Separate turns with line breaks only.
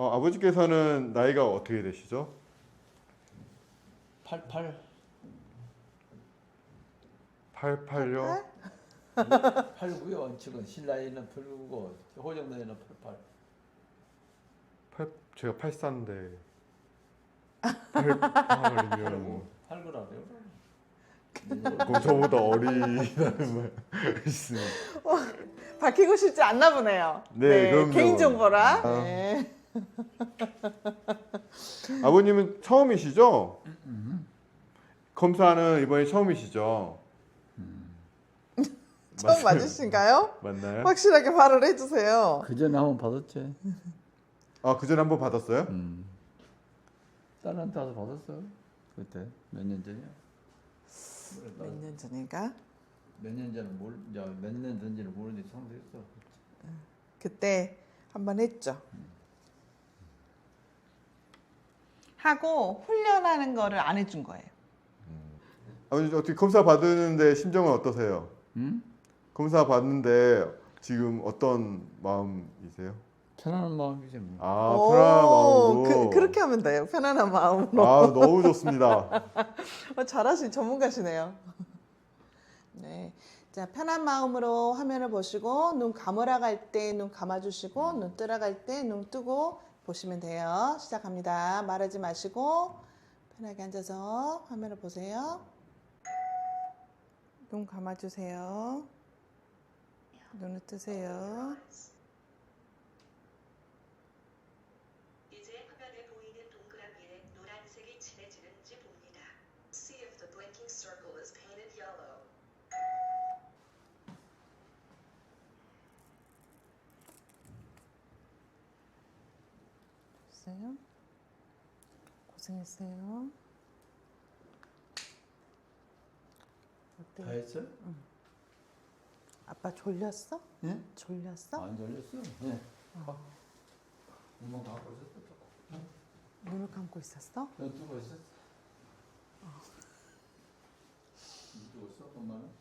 아버지께서는 나이가 어떻게 되시죠?
88.
88요?
89요. 지금 신라이는 89고 호정나이는 88.
제가 84인데 88이면
89라고요?
그럼 저보다 어리다는 말씀.
밝히고 싶지 않나 보네요.
네, 그럼요.
개인정보라.
아.
네.
아버님은 처음이시죠? 검사는 이번이 처음이시죠?
처음 맞으신가요?
맞나요?
확실하게 말을 해주세요.
그 전에 한번 받았지.
그 전에 한번 받았어요?
딸한테 와서 받았어. 그때 몇 년 전이야?
몇 년 전인가?
몇 년 전에 몇 년 전지를 모르는데 상대했어.
그때 한번 했죠. 하고 훈련하는 거를 안 해준 거예요.
아버님 어떻게 검사 받는데 심정은 어떠세요?
응?
검사 받는데 지금 어떤 마음이세요?
편안한 마음이지 뭐.
편안한 마음으로.
그렇게 하면 돼요. 편안한 마음으로.
너무 좋습니다.
잘하신 전문가시네요. 네. 자, 편한 마음으로 화면을 보시고 눈 감으라고 할 때 눈 감아주시고 눈 뜨라고 할 때 눈 뜨고 보시면 돼요. 시작합니다. 말하지 마시고 편하게 앉아서 화면을 보세요. 눈 감아주세요. 눈을 뜨세요.
이제 화면에 보이는 동그라미에 노란색이 칠해지는지 봅니다. See if the blinking circle is painted yellow.
됐어요? 고생했어요.
다
어때요?
했어?
아빠 졸렸어?
예?
졸렸어?
안 졸렸어. 예. 엄마 갖고 있었어.
눈을 감고 있었어?
눈 뜨고 있었어. 눈 뜨고 있어 엄마는?